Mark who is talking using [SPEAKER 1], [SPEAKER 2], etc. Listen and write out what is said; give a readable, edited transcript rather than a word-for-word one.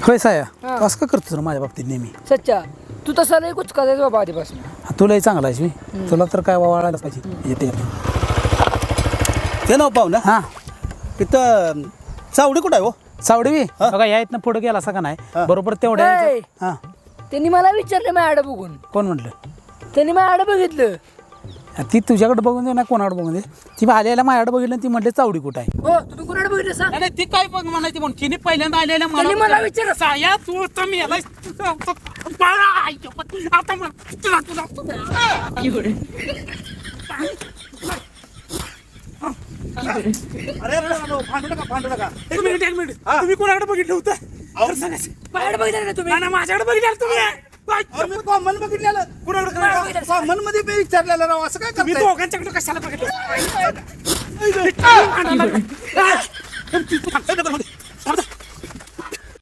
[SPEAKER 1] होय साया
[SPEAKER 2] हा.
[SPEAKER 1] असं का करतो तुला माझ्या बाबतीत नेहमी
[SPEAKER 2] सच्चा तू तसा नाही कुछ करायचं बाबा आधीपासून.
[SPEAKER 1] तुलाही चांगला आहेस मी तुला तर काय वाढायला पाहिजे येते
[SPEAKER 3] ते नाव पाहू ना
[SPEAKER 1] हां
[SPEAKER 3] तिथं चावडी कुठं आहे हो
[SPEAKER 1] सावडी बी बघा या इथनं पुढे गेला असं का नाही बरोबर तेवढ्या
[SPEAKER 2] ए!
[SPEAKER 1] हां
[SPEAKER 2] त्यांनी मला विचारलं माझ्याकडे बघून.
[SPEAKER 1] कोण म्हटलं
[SPEAKER 2] त्यांनी माझ्याकडे बघितलं.
[SPEAKER 1] ती तुझ्याकडे बघून दे ना कोणाकडे बघून दे ती आलेल्या माझ्याकडे बघितलं आणि ती म्हटली चावडी कुठं आहे
[SPEAKER 2] हो तुम्ही कोणाकडे बघितलं सांग.
[SPEAKER 1] नाही ती काय बघ म्हणायची म्हणून तिने पहिल्यांदा आलेल्या
[SPEAKER 2] त्यांनी मला विचारलं.
[SPEAKER 1] साया तू तर मी याला आता
[SPEAKER 3] अरे भांडू नका
[SPEAKER 1] एक मिनिट तुम्ही कोणाकडे बघितलं होतं
[SPEAKER 2] माझ्याकडे बघितलं ना तुम्ही.
[SPEAKER 1] माझ्याकडे बघितलं तुम्ही
[SPEAKER 3] मी कॉमन बघितलेलं कुणाकडे कॉमन मध्ये मी विचारलेलं राव असं काय
[SPEAKER 1] मी
[SPEAKER 3] करताय?
[SPEAKER 1] दोघांच्याकडे कशाला बघितलं